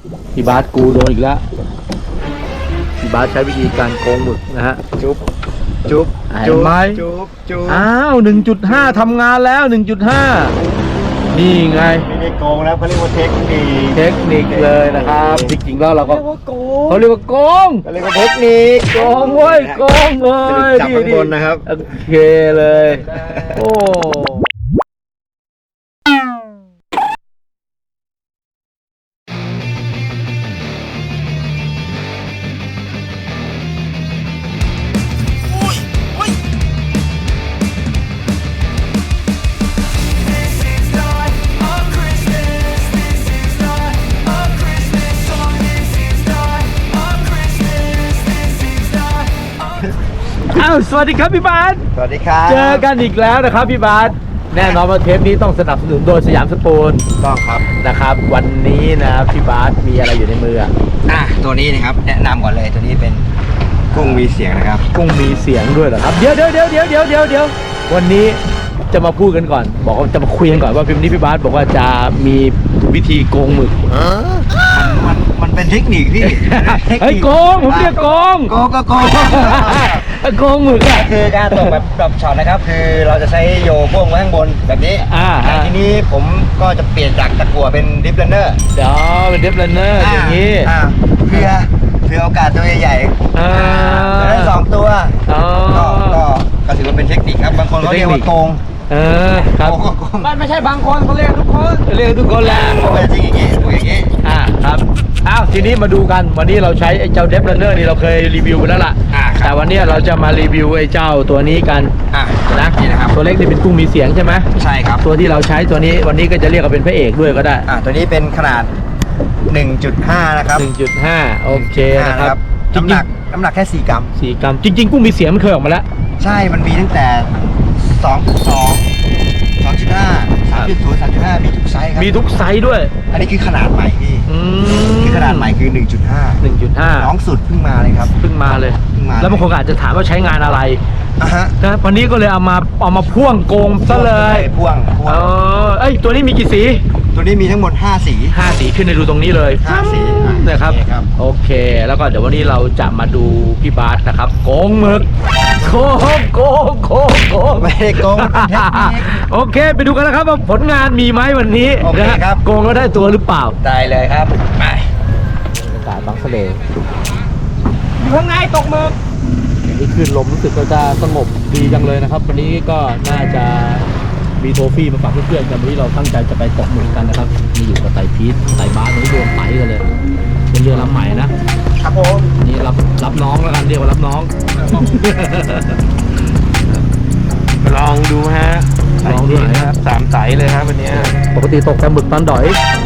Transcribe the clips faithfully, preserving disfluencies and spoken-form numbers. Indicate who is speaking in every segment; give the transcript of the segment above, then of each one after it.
Speaker 1: พี่บาสกูโดนอีกแล้วพี่บาสใช้วิธีการโกงหมึกนะฮะ
Speaker 2: จุ๊บจุ๊บ
Speaker 1: จุ๊บไหม
Speaker 2: จุ๊บจุ๊บ
Speaker 1: อ้าว หนึ่งจุดห้า ทำงานแล้ว หนึ่งจุดห้า นี่ไง
Speaker 2: ไม่ได้โกงแล้วเขาเรียกว่าเทคนิค
Speaker 1: เทคนิคเลยนะครับจริงๆแล้วเราก็เขาเรียกว่าโกง
Speaker 2: เขาเรียกว่าเทคนิค
Speaker 1: โกงเว้ยโกงเลย
Speaker 2: จับข้างบนนะครับ
Speaker 1: โอเคเลย โอ้อ้าวสวัสดีครับพี่บาส
Speaker 2: สวัสดีครับ
Speaker 1: เจอกันอีกแล้วนะครับพี่บาสแน่นอนว่าเทปนี้ต้องสนับสนุนโดยสยามสปูน
Speaker 2: ต้องครับ
Speaker 1: นะครับ วันนี้นะพี่บาสมีอะไรอยู่ในมืออ่ะ
Speaker 2: อ่ะตัวนี้นะครับแนะนำก่อนเลยตัวนี้เป็นกุ้งมีเสียงนะครับ
Speaker 1: กุ้งมีเสียงด้วยเหรอครับเดี๋ยวเดี๋ยวเดี๋ยวเดี๋ยวเดี๋ยวเดี๋ยวเดี๋ยววันนี้จะมาพูดกันก่อน บอกว่าจะมาคุยกันก่อนว่าพิมพ์นี้พี่บาสบอกว่าจะมีวิธีโกงหมึก
Speaker 2: มันมันมันเป็นเทคนิคพี่
Speaker 1: เฮ้ยโกงผมเรียกโกง
Speaker 2: โกงก็โกง
Speaker 1: โกงหมึกอ่ะ
Speaker 2: คือการตกแบบแบบช็อตนะครับคือเราจะใช้โยพ่วงไว้ข้างบนแบบนี้
Speaker 1: อ่า
Speaker 2: แต่ทีนี้ผมก็จะเปลี่ยนจากตะกั่วเป็นดิฟเลนเนอร์
Speaker 1: เดี๋ยวเป็นเดฟเลนเนอร์อย่างนี้
Speaker 2: อ่าเพื่อเพื่อโอกาสตัวใหญ่ๆ
Speaker 1: อ่า
Speaker 2: จะได้สองตัว
Speaker 1: อ๋อ
Speaker 2: ก็ก็ก็ถือว่าเป็นเทคนิคครับบางคนเขาเรียกว่าโกง
Speaker 1: เออครับ
Speaker 2: โกงก็โกง
Speaker 1: ไม่ไม่ใช่บางคนเขาเรียกทุกคนเรียกทุกคนแหละ
Speaker 2: เขาเป็นจริงอย่างนี้พูดอย่างนี้
Speaker 1: อ่าครับอ้าวทีนี้มาดูกันวันนี้เราใช้ไอ้เจ้าเดฟเลนเนอร์นี่เราเคยรีวิวไปแล้วล่ะ
Speaker 2: อ่าครับ
Speaker 1: แต่วันนี้เราจะมารีวิวไอ้เจ้าตัวนี้กัน
Speaker 2: อ่ะ
Speaker 1: นะ
Speaker 2: นี่นะครับ
Speaker 1: ตัวเล็กนี่เป็นกุ้งมีเสียงใช่ไหม
Speaker 2: ใช่ครับ
Speaker 1: ตัวที่เราใช้ตัวนี้วันนี้ก็จะเรียกว่าเป็นพระเอกด้วยก็ได้
Speaker 2: อ่ะตัวนี้เป็นขนาด หนึ่งจุดห้า นะครับ
Speaker 1: หนึ่งจุดห้า โอเคนะครับจริ
Speaker 2: น้ำ
Speaker 1: ง
Speaker 2: หนักน้ำหนักแค่สี่กรัม
Speaker 1: ๆสี่กรัมจริง ๆ กุ้งมีเสียงมันเคยออกมาแล้ว
Speaker 2: ใช่มันมีตั้งแต่สองจุดสอง สองจุดห้า สามจุดศูนย์ สามจุดห้า มีทุกไซส์ครับ
Speaker 1: มีทุกไซส์ด้วย
Speaker 2: อันนี้คือขนาดใหม่พี่
Speaker 1: อืม
Speaker 2: คือขนาดใหม่คือ หนึ่งจุดห้า
Speaker 1: หนึ่งจุดห้า
Speaker 2: น้องสุดเพิ่งมาเลยครับ
Speaker 1: เพิ่งมาเลย
Speaker 2: เพิ่งมา
Speaker 1: แล้วบางคนก็อาจจะถามว่าใช้งานอะไร
Speaker 2: อ่ะฮะ
Speaker 1: นะวันนี้ก็เลยเอามาเอามาพ่วงโกงซะเลย
Speaker 2: พ่วงพ่ว
Speaker 1: เอง อเอ้ยตัวนี้มีกี่สี
Speaker 2: ตัวนี้มีทั้งหมดห้าสี
Speaker 1: ห้าสีขึ้นในดูตรงนี้เลย
Speaker 2: ห้าสีอ่ะ
Speaker 1: นะครับ
Speaker 2: โอเคครับ
Speaker 1: โอเค แล้วก็เดี๋ยววันนี้เราจะมาดูพี่บาสนะครับโกงหมึกโกงโกงโกงโกง
Speaker 2: ไม่ได้โกงมันเป็นเทคนิค
Speaker 1: โอเค ไปดูกันนะครับว่าผลงานมีไหมวันนี้
Speaker 2: โอเค
Speaker 1: นะครับ โกงแล้วได้ตัวหรือเปล่า
Speaker 2: ได้เลยครับไป
Speaker 1: บรรยากาศบางทะเล
Speaker 2: อยู่ข้างในตกหมึก
Speaker 1: อย่างนี้คลื่นลมรู้สึกก็จะสงบดีจังเลยนะครับ วันนี้ก็น่าจะมีโทฟี่มาฝากเพื่อนๆกันวันนี้เราตั้งใจจะไปตกหมึกกันนะครับมีอยู่กับไต่พีทไต่บาสวันนี้โดนไต่กันเลยเป็นเรือลำใหม่นะครับ
Speaker 2: ผม
Speaker 1: นี่รับรับน้องแล้วกันเรียกว่ารับน้อง
Speaker 3: ลองดูฮะ
Speaker 1: ลองดูหน่อย
Speaker 3: ครับสามไสเลยครับวันนี้
Speaker 1: ปกติตกแต่หมึกตอนดอย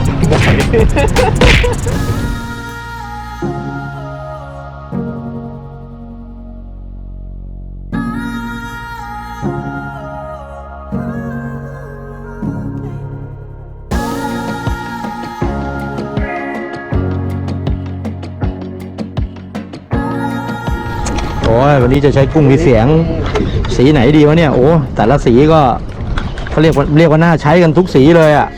Speaker 1: โอ้ยวันนี้จะใช้กุ้งมีเสียงสีไหนดีวะเนี่ยโอ้แต่ละสีก็เขาเรียกว่าเรียกว่าน่าใช้กันทุกสีเลยอ่ะ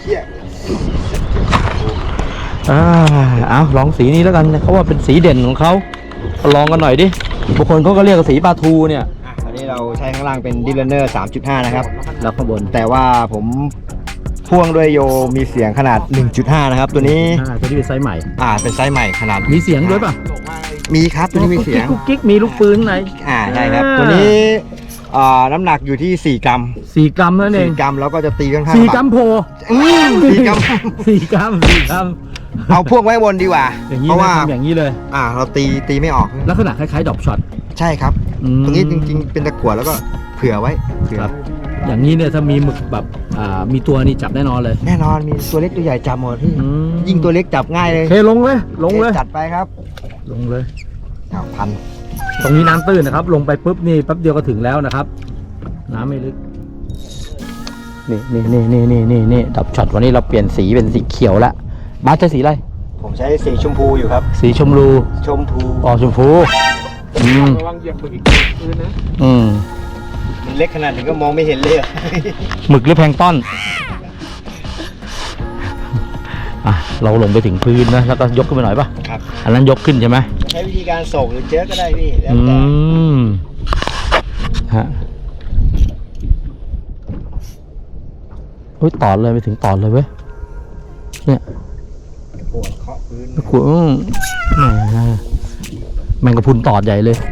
Speaker 1: อ่าเอาลองสีนี้แล้วกันเขาว่าเป็นสีเด่นของเขาลองกันหน่อยดิบางคนเขาก็เรียกว่าสีปลาทูเนี่ย
Speaker 2: อ่ะตอนนี้เราใช้ข้างล่างเป็นดิฟเลนเนอร์ สามจุดห้า นะครับ
Speaker 1: แล้วข้างบน
Speaker 2: แต่ว่าผมพ่วงด้วยโยมีเสียงขนาด หนึ่งจุดห้า นะครับ ตัวนี้
Speaker 1: อ่าตัวนี้เป็นไซส์ใหม่
Speaker 2: อ่าเป็นไซส์ใหม่ขนาด
Speaker 1: มีเสียงด้วยป่ะ
Speaker 2: มีครับตัวนี้มีเสียง
Speaker 1: กุ๊กกิ๊กมีลูกปืนข้างใน
Speaker 2: อ่าใช่ครับ
Speaker 1: อ่า
Speaker 2: ตัวนี้อ่าน้ำหนักอยู่ที่ สี่ กรัม
Speaker 1: สี่กรัมนั่นเอง
Speaker 2: สี่กรัมแล้วก็จะตีค่อนข้าง
Speaker 1: สี่กรัมโพ
Speaker 2: อืมสี่กรัม
Speaker 1: สี่กรัมสี่กรัม
Speaker 2: เอาพวกไว้บนดีกว่า
Speaker 1: อย่างนี้
Speaker 2: เพราะ
Speaker 1: นะ
Speaker 2: ว่า
Speaker 1: ทำอย่างนี้เลย
Speaker 2: อ่าเราตีตีไม่ออก
Speaker 1: ลักษณะคล้ายๆดอกช็อต
Speaker 2: ใช่ครับ
Speaker 1: อืม
Speaker 2: ตรงนี้จริงๆ เป็นตะกั่วแล้วก็เผื่อไว้เผื่อ
Speaker 1: ครับ อย่างนี้เนี่ยถ้ามีหมึกแบบอ่ามีตัวนี่จับแน่นอนเลย
Speaker 2: แน่นอนมีตัวเล็กตัวใหญ่จับหมดพี่
Speaker 1: อืม
Speaker 2: ยิ่งตัวเล็กจับง่ายเลย
Speaker 1: โอเคลงเลยลงเลย
Speaker 2: จัดไปครับ
Speaker 1: ลงเลย
Speaker 2: อ้าวพัน
Speaker 1: ตรงนี้น้ำตื้นนะครับ ลงไปปุ๊บนี่แป๊บเดียวก็ถึงแล้วนะครับ น้ำไม่ลึกนี่นี่นี่นี่นี่นี่นี่ดับช็อตวันนี้เราเปลี่ยนสีเป็นสีเขียวแล้วบาสใช้สีอะไร
Speaker 2: ผมใช้สีชมพูอยู่ครับ
Speaker 1: สีชมพู
Speaker 2: ชมพู
Speaker 1: ออกชมพูอืม
Speaker 3: ระวังเหยียบหมึกอีกคืนนะ
Speaker 1: อืม
Speaker 2: มันเล็กขนาดนี้ก็มองไม่เห็นเลยอะ
Speaker 1: หมึกหรือแพลงก์ต้อนอ่ะเราลงไปถึงพื้นนะแล้วก็ยกขึ้นไปหน่อยป่ะ
Speaker 2: ครับ
Speaker 1: อันนั้นยกขึ้นใช่ไหม
Speaker 2: ใช้วิธีการส่งหรือเจ๊ก็ได้พี่แล้ว
Speaker 1: อื
Speaker 2: แต่
Speaker 1: มฮะเฮ้ยตอดเลยไปถึงตอดเลยเว้ยเนี่ย
Speaker 2: ปวดเคาะพื้น
Speaker 1: กูอืมแหมแมงกะพรุนตอดใหญ่เลย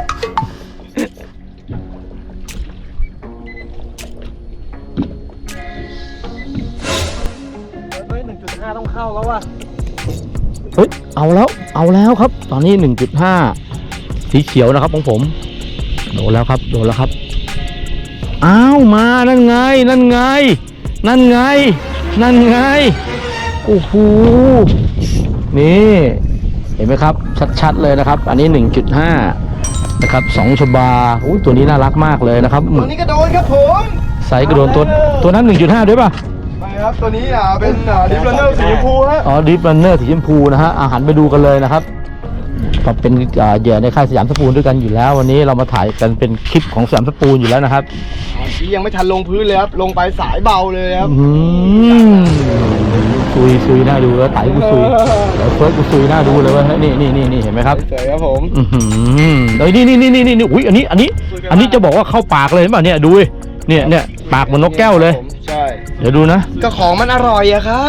Speaker 1: เฮ้ยหนึ่งจุดห้าต้องเข้าแล้วว่ะเฮ้ยเอาแล้วเอาแล้วครับ ตอนนี้หนึ่งจุดห้าสีเขียวนะครับของผมโดนแล้วครับโดนแล้วครับอ้าวมานั่นไงนั่นไงนั่นไงนั่นไงโอ้โหนี่เห็นไหมครับชัดๆเลยนะครับอันนี้ หนึ่งจุดห้า นะครับสองชบาอุ้ยตัวนี้น่ารักมากเลยนะครับ
Speaker 2: ตัวนี้ก็โดนครับผม
Speaker 1: ไซส์กระโดนตัวตัวนั้น หนึ่งจุดห้า ด้วยป่ะ
Speaker 2: ไปครับตัวนี้อ่ะเป็นดิฟรันเนอร์สีชมพูฮะ
Speaker 1: อ๋อดิฟรันเนอร์สีชมพูนะฮะอาหารไปดูกันเลยนะครับก็เป็นอ่าเหยื่อในค่ายสยามสปูนด้วยกันอยู่แล้ว วันนี้เรามาถ่ายกันเป็นคลิปของสยามสปูนอยู่แล้วนะครับ
Speaker 2: ที่ยังไม่ทันลงพื้นเลยครับลงไปสายเบาเลยครับ
Speaker 1: อืมซุยซุยน่าดูแล้วไต่กูซุยเดี๋ยวเฟิร์สกูซุยน่าดูเลยเว่านี่นี่นี่นี่เห็นไหมครับ
Speaker 2: สวยครับผม
Speaker 1: อือหือเอ้ยนี่นี่นี่นี่นี่อุ้ยอันนี้อันนี้ อันนี้จะบอกว่าเข้าปากเลยเห็นป่ะเนี่ยดูดิเนี่ยเนี่ยปากเหมือนนกแก้วเลย
Speaker 2: ใช่
Speaker 1: เดี๋ยวดูนะ
Speaker 2: ก็ของมันอร่อยอะครับ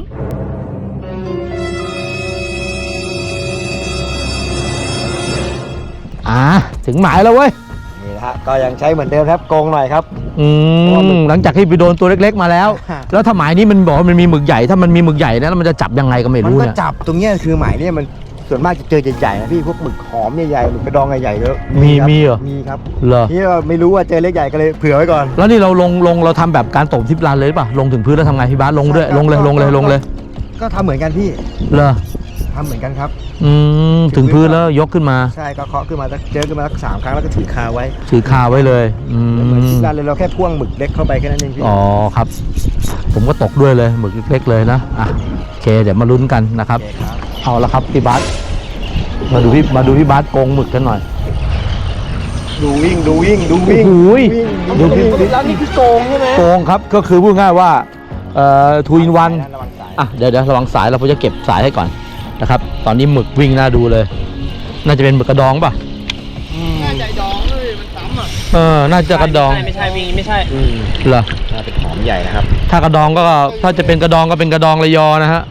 Speaker 1: อ่าถึงหมายแล้วเว้ย
Speaker 2: นี่นะฮะก็ยังใช้เหมือนเดิมครับโกงหน่อยครับ
Speaker 1: อืมหลังจากที่ไปโดนตัวเล็กๆมาแล้ว แล้วถ้าหมายนี้มันบอกว่ามันมีหมึกใหญ่ถ้ามันมีหมึกใหญ่นะแล้วมันจะจับยังไงก็ไม่
Speaker 2: มัน
Speaker 1: รู้
Speaker 2: ก็
Speaker 1: เนี่ย
Speaker 2: จับตรงเนี้ยคือหมายเนี่ยมันส่วนมากจะเจอใหญ่ๆนะพี่พวกหมึกหอมใหญ่ๆหมึกกระดองใหญ่ๆแล้ว
Speaker 1: มี
Speaker 2: ครับ
Speaker 1: มีเหรอ
Speaker 2: มีครับ
Speaker 1: เหรอ
Speaker 2: นี่เราไม่รู้ว่าเจอเล็กใหญ่ก็เลยเผื่อไว้ก่อน
Speaker 1: แล้วนี่เราลงลงเราทำแบบการตบทิปลานเลยป่ะลงถึงพื้นแล้วทำไงพี่บาสลงด้วยลงเลยลงเลยลงเลย
Speaker 2: ก็ทำเหมือนกันพี่
Speaker 1: เหรอ
Speaker 2: ทำเหมือนกันครับ
Speaker 1: อืมถึงพื้นแล้วยกขึ้นมา
Speaker 2: ใช่ก็เคาะขึ้นมาสักเจอขึ้นมาสักสามครั้งแล้วก็ถือคาไว้
Speaker 1: ถือคาไว้เลยอื
Speaker 2: เหมือน
Speaker 1: ม
Speaker 2: ที่ร้านเลยเราแค่พ่วงหมึกเล็กเข้าไปแค่นั้นเองพี่
Speaker 1: อ๋อครับ ผมก็ตกด้วยเลยหมึกเล็กๆเลยนะอ่ะโอเคเดี๋ยวมาลุ้นกันนะครับ
Speaker 2: โอเคครับ
Speaker 1: เอาละครับพี่บาสมาดูพี่มาดูพี่บาสโกงหมึกกันหน่อย
Speaker 2: ดูวิ่งดูวิ่งดูวิ่ง
Speaker 1: โอ้โห
Speaker 2: วิ่ง
Speaker 1: ดูพี่
Speaker 2: วิ่งแล้วนี่คือโกงใช่ไหม
Speaker 1: โกงครับก็คือพูดง่ายว่าเอ่อทูอินวัน
Speaker 2: ระวังสาย
Speaker 1: อ่ะเดี๋ยวเดี๋ยวระวังสายเราจะเก็บสายให้ก่อนนะครับ ตอนนี้หมึกวิ่งน่าดูเลย น่าจะเป็นหมึกกระดองป่ะ
Speaker 2: น่าใจดองเลยมันซ้ำอ่ะ
Speaker 1: เออน่าจะกระดอง
Speaker 3: ไม่ใช่วิ่งไม่ใช่
Speaker 2: อืม
Speaker 1: เหรอ
Speaker 2: น่าเป็นหอมใหญ่นะครับ
Speaker 1: ถ้ากระดองก็ถ้าจะเป็นกระดองก็เป็นกระดองระยอนะฮะ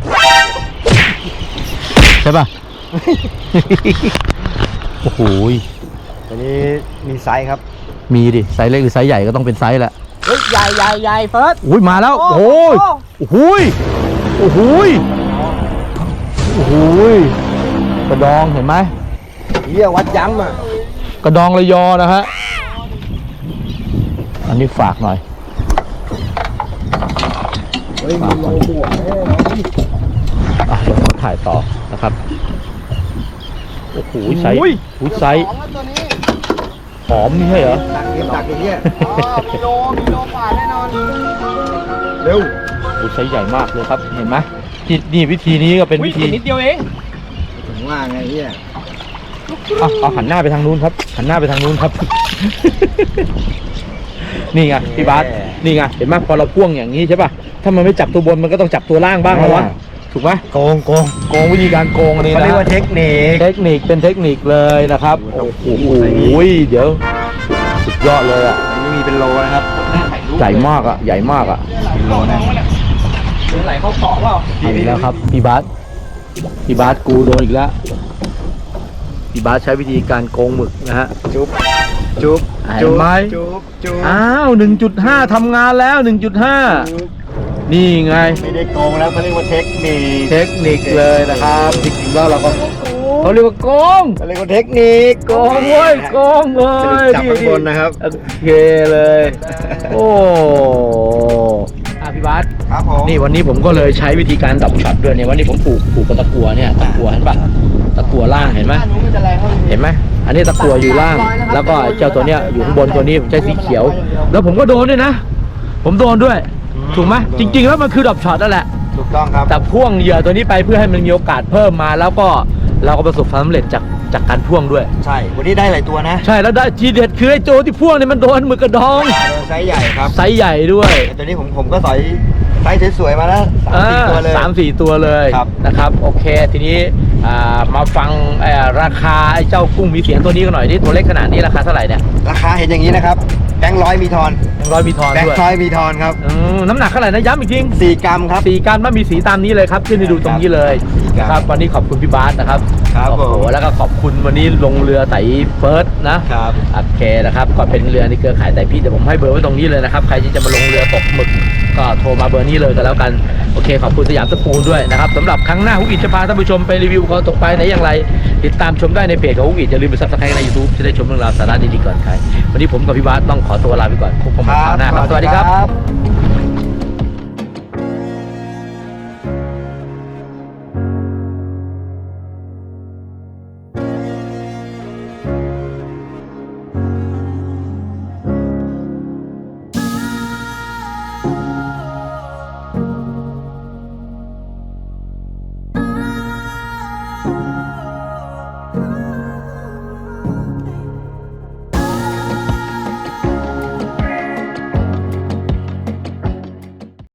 Speaker 1: ใช่ป่ะ โอ้โห
Speaker 2: ตัวนี้มีไซส์ครับ
Speaker 1: มีดิไซส์เล็กหรือไซส์ใหญ่ก็ต้องเป็นไซส์แหละ
Speaker 3: เฮ้ย ใหญ่ใหญ่ใหญ่เฟิร์ส
Speaker 1: อุ้ยมาแล้ว โอ้ยโอ้โหยโอ้โหยโอ้โหยกระดองเห็นไหม
Speaker 2: เฮียวัดย้ำอ่ะ
Speaker 1: กระดองระยอนะฮะอันนี้ฝากหน่อย
Speaker 2: เฮ้ยมีโลบวกแน่นอนพี่
Speaker 1: อ่ะเดี๋ยวผมถ่ายต่อนะครับโอ้โหไซส์โอ้โหไซส์
Speaker 2: ของแล้วตัวนี้
Speaker 1: หอมนี่ใช่เหรอ
Speaker 2: ตักเก็บตักอย่างเงี้ยอ๋อมีโลมีโลกว่าแน่นอนเร็ว
Speaker 1: โอ้ไซส์ใหญ่มากเลยครับเห็นไหมนี่นี่วิธีนี้ก็เป็นวิธี
Speaker 3: นิดเดียวเอง
Speaker 2: ถึงว่าไงเฮีย
Speaker 1: เอาเอาหันหน้าไปทางนู้นครับหันหน้าไปทางนู้นครับ นี่ไงพี่บาสนี่ไงเห็นไหมพอเราพ่วงอย่างนี้ใช่ป่ะถ้ามันไม่จับตัวบนมันก็ต้องจับตัวล่างบ้างแล้ววะถูกไหม
Speaker 2: โกงโกง
Speaker 1: โกงวิธีการโกงอันนี้
Speaker 2: เขา
Speaker 1: นะ
Speaker 2: เรียกว่าเทคนิค
Speaker 1: เทคนิคเป็นเทคนิคเลยนะครับโอ้โหเดี๋ยวสุดยอดเลยอ่ะ
Speaker 2: อันนี้มีเป็นโลนะครับ
Speaker 1: ใหญ่มากอ่ะใหญ่มากอ่ะ
Speaker 2: เป็นโลนะ
Speaker 3: เดี๋ยวไหลเข้าเกาะเปล่า
Speaker 1: เอาอีกแล้วครับพี่บาสพี่บาสกูโดนอีกแล้วพี่บาสใช้วิธีการโกงหมึกนะฮะ
Speaker 2: จุ๊บจุ๊บ
Speaker 1: เห็นไหม
Speaker 2: จุ๊บจุ๊บ
Speaker 1: อ้าว หนึ่งจุดห้า ทำงานแล้ว หนึ่งจุดห้า นี่ไง
Speaker 2: ไม่ได้โกงแล้วเขาเรียกว่าเทคนิค
Speaker 1: เทคนิคเลยนะครับจริงๆแล้วเราก็เขาเรียกว่าโกง
Speaker 2: เขาเรียกว่าเทคนิค
Speaker 1: โกงเว้ยโกงเล
Speaker 2: สรุป
Speaker 1: ย
Speaker 2: จับข้างบนนะครับ
Speaker 1: โอเคเลย โอ้อ่ะพี่บาส
Speaker 2: ครับผม
Speaker 1: นี่วันนี้ผมก็เลยใช้วิธีการดับช็อตด้วยเนี่ยวันนี้ผมผูกผูกกับตะกั่วเนี่ยตะกั่วเห็นปะตะกั่วล่างเห็นไหมเห็นไหมอันนี้ตะกั่วอยู่ล่าง แล้วก็เจ้าตัวเนี้ยอยู่ข้างบนตัวนี้ผมใช้สีเขียว แล้วผมก็โดนด้วยนะ ผมโดนด้วย ถูกไหมจริง ๆ แล้วมันคือดับช็อตนั่นแหละ
Speaker 2: ถูกต้องครับ
Speaker 1: แต่พ่วงเหยื่อตัวนี้ไปเพื่อให้มันมีโอกาสเพิ่มมา แล้วก็เราก็ประสบความสำเร็จจากจากการพ่วงด้วย
Speaker 2: ใช่ วันนี้ได้หลายตัวนะ
Speaker 1: ใช่แล้วได้ทีเด็ดคือไอ้โจที่พ่วงเนี่ยมันโดนหมึกกระดอง
Speaker 2: ไซส์ใหญ่ครับ
Speaker 1: ไซส์ใหญ่ด้วย
Speaker 2: แต่ตัวนี้ผมผมก็สอยไซส์สวยๆมาแล้วสามสี่ตัวเลย
Speaker 1: สามสี่ตัวเลย
Speaker 2: ครับ
Speaker 1: นะครับโอเคทีนี้อ่ามาฟังเอ่อราคาไอ้เจ้ากุ้งมีเสียงตัวนี้กันหน่อยนี่ตัวเล็กขนาดนี้ราคาเท่าไหร่เนี่ย
Speaker 2: ราคาเห็นอย่างนี้นะครับแบงค์ร้อยมีทอน
Speaker 1: ยังร้อยมีทอน
Speaker 2: แบง
Speaker 1: ด้วย
Speaker 2: ค์ร้อยมีทอนครับ
Speaker 1: อืมน้ำหนักเท่าไหร่นะย้ำอีกที
Speaker 2: สี่กรัมครับ
Speaker 1: สี่การมันมีสีตามนี้เลยครับขึ้นให้ดูตรงนี้เลย
Speaker 2: ครับ
Speaker 1: ครับวันนี้ขอบคุณพี่บาสนะครับ
Speaker 2: ครับ
Speaker 1: โอ้โห
Speaker 2: ผม
Speaker 1: แล้วก็ขอบคุณวันนี้ลงเรือไต่เฟิร์สนะครับ โอเคนะครับก็เป็นเรือในเครือข่ายไต่พีชเดี๋ยวผมให้เบอร์ไว้ตรงนี้เลยนะครับใครที่จะมาลงเรือตกหมึกก็โทรมาเบอร์นี้เลยกันแล้วกันโอเคขอบคุณสยามสปูลด้วยนะครับสำหรับครั้งหน้าฮุกอิทจะพาท่านผู้ชมไปรีวิวเขาตกปลาไหนอย่างไร ติดตามชมได้ในเพจของฮุกอิทอย่าลืมไปซับสไครต์ใน ยูทูบ จะได้ชมเรื่องราวสาระดีๆก่อนใครวันนี้ผมกับพี่บาสต้องขอตัวลาไปก่อนพบกันใหม่คราวหน้าครับสวัสดีครับ